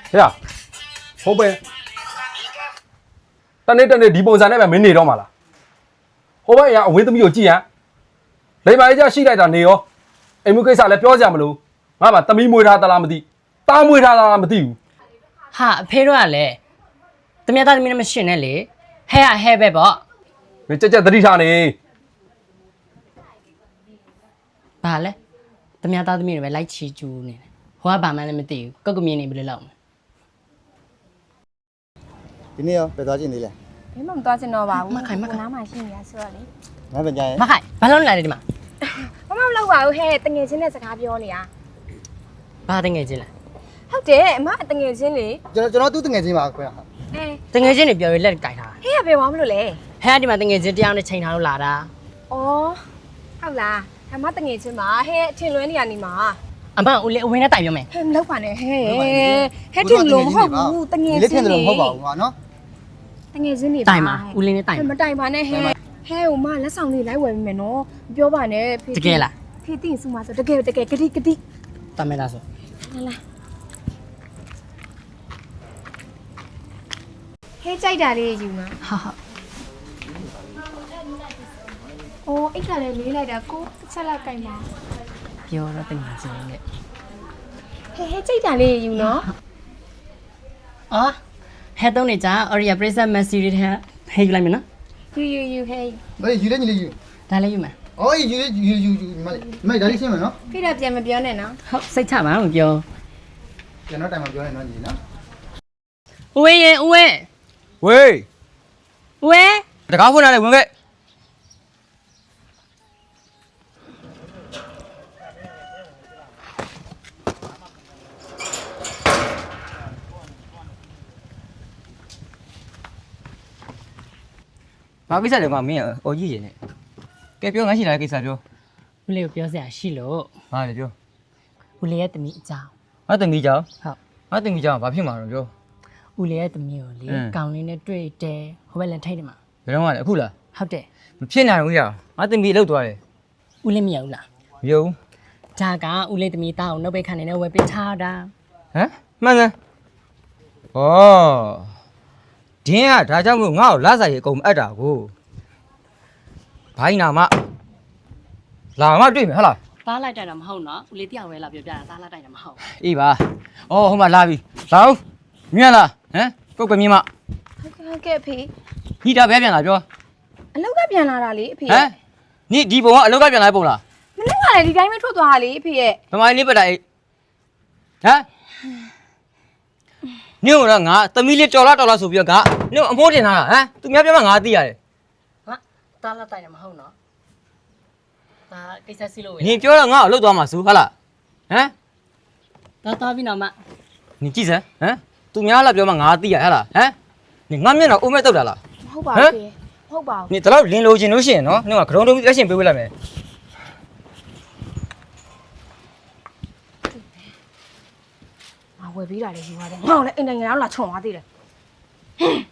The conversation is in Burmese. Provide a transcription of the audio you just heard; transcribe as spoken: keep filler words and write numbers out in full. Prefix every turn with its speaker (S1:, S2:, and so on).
S1: 呀，后背，但你等你地方上那边没内到嘛啦？后背呀，为什么有几样？你把一家西来的内哦，你们可以上来表现不喽？我把等你没他的那么地，打没他的那么地。
S2: 哈，配了嘞，怎么样？咱们那么训练嘞？还呀还白包？
S1: 你这家得里上呢？
S2: 罢了，怎么样？咱们那边来吃猪呢？我爸妈那么地，各个面那边老。
S3: ဒီနေ့ရောဘယ်သွားချင်းသေးလဲ
S4: ဘယ်မှမသွားချင်တော့ပါဘူး
S2: မခိုင်မခိုင်
S4: နားမှာရှိနေရဆိုတော့လေ
S3: ငါပဲကြရင်
S2: မခိုင်ဘာလို့လာလဲဒီမှာ
S4: မမမလောက်ပါဘူးဟဲ့တငယ်ချင်းနဲ့စကားပြောနေတာ
S2: ဘာတငယ်ချင်းလဲ
S4: ဟုတ်တယ်အမတငယ်ချင်းလေ
S3: ကျွန်တော်ကျွန်တော်သူ့တငယ်ချင်းပါခွဲဟာ
S4: အဲ
S2: တငယ်ချင်းတွေပြောရလက်ကြိုက်ထား
S4: ဟဲ့ရဘယ်ဝါမလို့လဲ
S2: ဟဲ့ဒီမှာတငယ်ချင်းတရားနဲ့ချိန်ထားလို့လာတာ
S4: ဩဟုတ်လားအမတငယ်ချင်းပါဟဲ့အထင်လွဲနေရနေမှာ
S2: အမဦးလေးအဝင်းနဲ့တိုင်ပြောမယ်
S4: ဟဲ့မလောက်ပါနဲ့ဟဲ့ဟဲ့ထင်လို့မဟုတ်ဘူးတငယ်
S3: ဒီလေးထ
S4: ချင်း
S3: င်တယ်
S4: လေ
S3: လို့မဟုတ်ပါဘူးကွာနော်
S4: တငယ်ချင်းနေပါ
S2: တိုင်ပါဦးလေးနဲ့တိုင်
S4: ဟဲ့မတိုင်ပါနဲ့ဟဲ့ဟဲ့ဟိုမလက်ဆောင်လေးလိုက်ဝယ်မိမယ်နော်မပြောပါနဲ့ဖေ
S2: တကယ်လား
S4: ဖေသိရင်စုမဆိုတကယ်တကယ်ဂတိဂတိ
S2: တမဲလားဆို
S4: လာလာဟဲ့ကြိုက်တာလေးယူမှာ
S2: ဟာဟာ
S4: ။အော်အိတ်ကလည်းလေးလိုက်တာကိုတစ်ချက်လောက်ကင်ပါ
S2: ပြောတော့တငယ်ချင်းနဲ့
S4: ။ဟဲ့ဟဲ့ကြိတ်တာလေးယူနော်
S2: အော်ဟဲ့တော့နေကြအော်ရီယာပရိသတ်မက်ဆီတွေထဲဟဲ့လိုက်မယ်နော်
S4: ။ယူယူယူဟဲ့
S3: မလေးယူလဲညီလေးယူ
S2: ဒါလေးယူမယ်
S3: အော်ယူယူယူယူမလေးမလေးဒါလေးရှင်းမယ်နော်
S4: ။ဖိတော့ပြန်မပြောနဲ့နော်
S2: ဟုတ်စိတ်ချပါမပြော
S3: ကျွန်တော်တိုင်မှာပြောနေနော်ညီနော်
S2: ဦးဝင်းရင်ဦးဝင်း
S1: 喂，
S2: ဦးဝင်း
S1: 这家伙拿来问个。
S5: ဘာကိစ္စလဲကွာမင်းအော်ကြီးရင်နဲ့ကဲပြောငါရှိလာတဲ့ကိစ္စပြော
S2: ဦးလေးကိုပြောစရာရှိလို့
S5: ဟာလေပြော
S2: ဦးလေးရဲ့တမီးအကြောင်း
S5: ငါတမီးကြောင်
S2: ဟုတ်
S5: ငါတမီးကြောင်ဘာဖြစ်မှာတော့ပြော
S2: ဦးလေးရဲ့တမီးကိုလေ
S5: အင်း
S2: ကောင်းလေးနဲ့တွေ့တယ်ဟိုဘက်လည်းထိတ်တယ်မှာ
S5: ဘယ်တော့မှလဲအခုလား
S2: ဟုတ်တယ်
S5: မဖြစ်နိုင်ဘူးရငါတမီးလှုပ်သွားတယ်
S2: ဦးလေးမရဘူးလား
S5: မယုံ
S2: ဒါကဦးလေးတမီးတောင်းနှုတ်ပိတ်ခန့်နေနဲ့ဝယ်ပေးထားတာ
S5: ဟမ်မှန်စမ်းဩဒင်းကဒါကြောင့်မို့ငါ့ကိုလာစားရေအကုန်အပ်တာကိုဘိုင်းနာမလာမတွေ့မယ်ဟုတ်လား
S2: သားလိုက်တိုက်တာမဟုတ်နော်ဦးလေးတရားဝဲလာပြောပြတာသားလိုက်တိုက်တာမဟုတ်
S5: အေးပါဩဟိုမှာလာပြီလာဦးမြင်လားဟမ်ပုတ်ကမြင်မ
S4: ။ဟုတ်ကဲ့ဟုတ်ကဲ့အဖေ
S5: ညီတာပဲပြန်လာပြော
S4: ။အလောက်ကပြန်လာတာလေအဖေ
S5: ဟမ်ညီဒီပုံကအလောက်ကပြန်လာပုံလား
S4: ။မနေ့ကလည်းဒီတိုင်းပဲထွက်သွားတာလေအဖေရဲ့
S5: ဗမာလေးပတ်တာအေးဟမ်ညို့တော့ငါသမီးလေးတော်လာတော်လာဆိုပြီးတော့ငါညို့အမိုးတင်ထားတာဟမ်သူများပြောမှငါသိရတယ်
S2: ဟာသားလိုက်တိုက်တာမဟုတ်နော်ဒါကိစ္စစီလို့ဝယ်
S5: နင်ပြောတော့ငါ့ကိုလှုပ်သွားမှာဆိုဟုတ်လားဟမ်
S2: သားသားပြီးတော့မှ
S5: နင်ကြည့်စမ်းဟမ်သူများလာပြောမှငါသိရဟဲ့လားဟမ်နင်ငါမျက်နှာအိုးမဲ့တုတ်တာလား
S4: ။မဟုတ်ပါဘူးဖေ။မဟုတ်ပါဘူး
S5: နင်တလောက်လင်းလိုချင်လို့ရှိရင်နော်နင်ကဂရုံးတုံးပြီးလက်ရှင်ပေးဝေးလိုက်မယ်
S4: ။ငါဝယ်ပေးတာလေယူရတယ်။ငါ့ကိုလည်းအိမ်နိုင်ငံအောင်လာချုံသွားသေးတယ်။